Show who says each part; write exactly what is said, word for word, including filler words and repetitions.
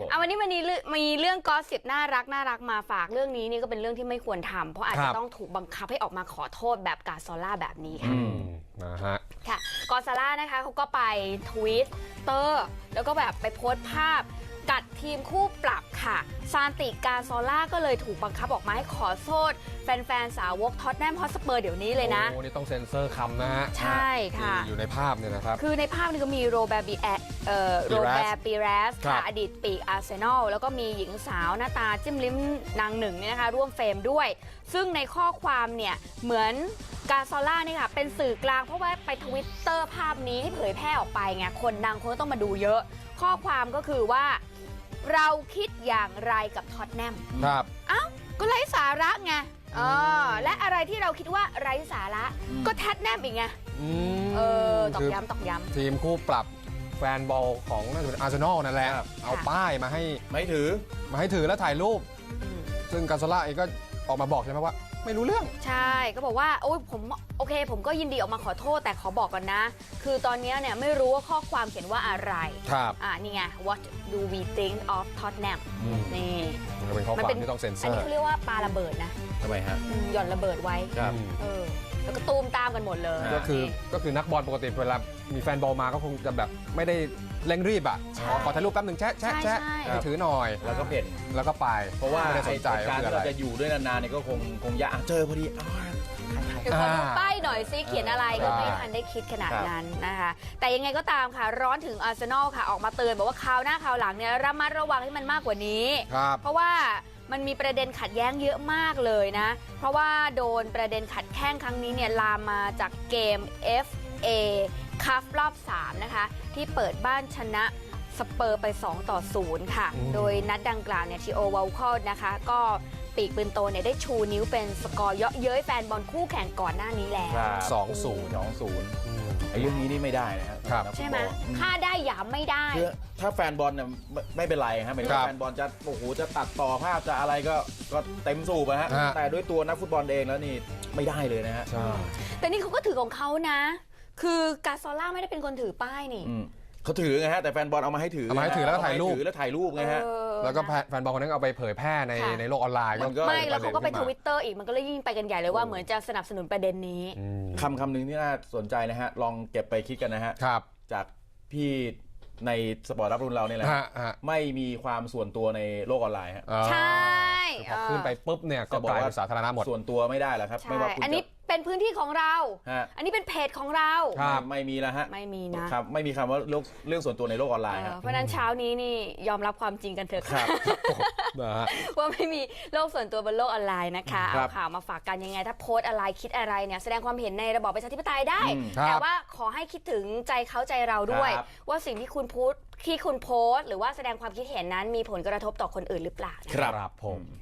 Speaker 1: เอาวันนี้วันนี้มีเรื่องกอสซิปน่ารักน่ารักมาฝากเรื่องนี้นี่ก็เป็นเรื่องที่ไม่ควรทำเพราะอาจจะต้องถูกบังคับให้ออกมาขอโทษแบบกาซอล่าแบบนี้ค่ะ
Speaker 2: นะฮะ
Speaker 1: ค่ะกอซาล่านะคะเขาก็ไปทวิตเตอร์แล้วก็แบบไปโพสต์ภาพกัดทีมคู่ปรับค่ะซานติกาซอล่าก็เลยถูกบังคับออกมาให้ขอโทษแฟนๆสาวกท็อตแนมฮอตสเปอร์เดี๋ยวนี้เลยนะ
Speaker 2: โอ้นี่ต้องเซ็นเซอร์คำนะฮะ
Speaker 1: ใช่ค่ะ
Speaker 2: อยู่ในภาพเนี่ยนะครับ
Speaker 1: คือในภาพนี้ก็มีโรแบร์บีแอเอ่อโรแบร์ปีเรสค่ะอดีตปีกอาร์เซนอลแล้วก็มีหญิงสาวหน้าตาจิ้มลิ้มนางหนึ่งเนี่ยนะคะร่วมเฟรมด้วยซึ่งในข้อความเนี่ยเหมือนกาซอล่านี่ค่ะเป็นสื่อกลางเพราะว่าไปทวิตเตอร์ภาพนี้ให้เผยแพร่ออกไปไงคนดังคนก็ต้องมาดูเยอะข้อความก็คือว่าเราคิดอย่างไรกับท็อตแนม
Speaker 2: ครับ
Speaker 1: อ้าวก็ไร้สาระไงเออและอะไรที่เราคิดว่าไร้สาระก็แท็ตแนมอีกไงเออตอกย้ำตอกย้ำ
Speaker 2: ทีมคู่ปรับแฟนบอลของน่าจะเป็นอาร์เซนอลนั่นแหละเอาป้ายมาให้
Speaker 3: ไม่ถือ
Speaker 2: มาให้ถือแล้วถ่ายรูปซึ่งกาซาล่าเองก็ออกมาบอกใช่ไหมว่าไม่รู้เรื่อง
Speaker 1: ใช่ก็บอกว่าโอ้ยผมโอเคผมก็ยินดีออกมาขอโทษแต่ขอบอกก่อนนะคือตอนนี้เนี่ยไม่รู้ว่าข้อความเขียนว่าอะไร
Speaker 2: ครับ
Speaker 1: อ่านี่ไง what do we think of Tottenham นี่
Speaker 2: มันเป็นข้อความที่ต้องเซ็นเซอร์
Speaker 1: อันนี้เขาเรียกว่าปาระเบิดนะ
Speaker 3: ทำไมฮะ
Speaker 1: หย่อนระเบิดไว้
Speaker 3: ครับ
Speaker 1: เออแล้วก็ตูมตามกันหมดเลย
Speaker 2: ก็คือก็คือนักบอลปกติเวลามีแฟนบอลมาก็คงจะแบบไม่ได้เร่งรีบอ่ะขอถ่ายรูปแป๊บหนึ่งแชะแชะแชะให้ถือหน่อย
Speaker 3: แล้วก็เพ่น
Speaker 2: แล้วก็ไป
Speaker 3: เพราะว่า
Speaker 2: ไม่ได้สนใจ
Speaker 3: การที่เราจะอยู่ด้วยนานๆเนี่ยก็คงคงยากเจอพอดี
Speaker 1: เดี๋ยวขอดูป้ายหน่อยซิเขียนอะไรก็ไม่ทันได้คิดขนาดนั้นนะคะแต่ยังไงก็ตามค่ะร้อนถึงอาร์เซนอลค่ะออกมาเตือนบอกว่าคราวหน้าคราวหลังเนี่ยระมัดระวังให้มันมากกว่านี้เพราะว่ามันมีประเด็นขัดแย้งเยอะมากเลยนะเพราะว่าโดนประเด็นขัดแข้งครั้งนี้เนี่ยลามมาจากเกม เอฟ เอ คัพรอบสามนะคะที่เปิดบ้านชนะสเปอร์ไปสองต่อศูนย์ค่ะโดยนัดดังกล่าวเนี่ยทีโอวอลคอร์นะคะก็ปีกปืนโตเนี่ยได้ชูนิ้วเป็นสกอร์เยาะเย้ยแฟนบอลคู่แข่งก่อนหน้านี้แล้ว
Speaker 2: สองศูนย์
Speaker 3: สองศูนย์ไอ้เรื่องนี้นี่ไม่ได้นะครับ
Speaker 1: ใช่ไหมค่าได้หยามไม่ได้
Speaker 3: คือถ้าแฟนบอลเนี่ยไม่เป็นไรครับหมายถึงว่าแฟนบอลจะโอ้โหจะตัดต่อภาพจะอะไรก็ก็เต็มสูบนะฮะแต่ด้วยตัวนักฟุตบอลเองแล้วนี่ไม่ได้เลยนะฮะ
Speaker 2: ใช่
Speaker 1: แต่นี่เขาก็ถือของเขานะคือกาซอล่าไม่ได้เป็นคนถือป้ายนี่
Speaker 3: เขาถือไงฮะแต่แฟนบอลเอามาให้ถือ
Speaker 2: เอามาให้ถือแล้วก็ถ่ายรูป
Speaker 3: แล้วถ่ายรูปไงฮะ
Speaker 2: แล้วก็แฟนบอลคนนั้นเอาไปเผยแพร่ในในโลกออนไลน์
Speaker 1: ไม่แล้วเขาก็ไปทวิตเตอร์อีกมันก็เลยยิ่งไปกันใหญ่เลยว่าเหมือนจะสนับสนุนประเด็นนี้
Speaker 3: คำคำหนึ่งที่น่าสนใจนะฮะลองเก็บไปคิดกันนะฮะจากพี่ในสปอร์ตรับรุ่นเราเนี่ยแหละไม่มีความส่วนตัวในโลกออนไลน์ฮะ
Speaker 1: ใช่
Speaker 2: พอขึ้นไปปุ๊บเนี่ยก็กลายเป็นสาธารณะหมด
Speaker 3: ส่วนตัวไม่ได้แล้วครับไม่ว่า
Speaker 1: อันนี้เป็นพื้นที่ของเราอันนี้เป็นเพจของเรา
Speaker 3: ไม่มีแล้วฮะ
Speaker 1: ไม่มีนะครับ
Speaker 3: ไม่มีคำว่าเรื่องเรื่องส่วนตัวในโลกออนไลน์
Speaker 1: เพราะนั้นเช้านี้นี่ยอมรับความจริงกันเถอะค่ะว่าไม่มีโลกส่วนตัวบนโลกออนไลน์นะคะเอาข่าวมาฝากกันยังไงถ้าโพสอะไรคิดอะไรเนี่ยแสดงความเห็นในระบอบประชาธิปไตยได้แต่ว่าขอให้คิดถึงใจเขาใจเราด้วยว่าสิ่งที่คุณพูดที่คุณโพสต์หรือว่าแสดงความคิดเห็นนั้นมีผลกระทบต่อคนอื่นหรือเปล่า
Speaker 2: ครับผม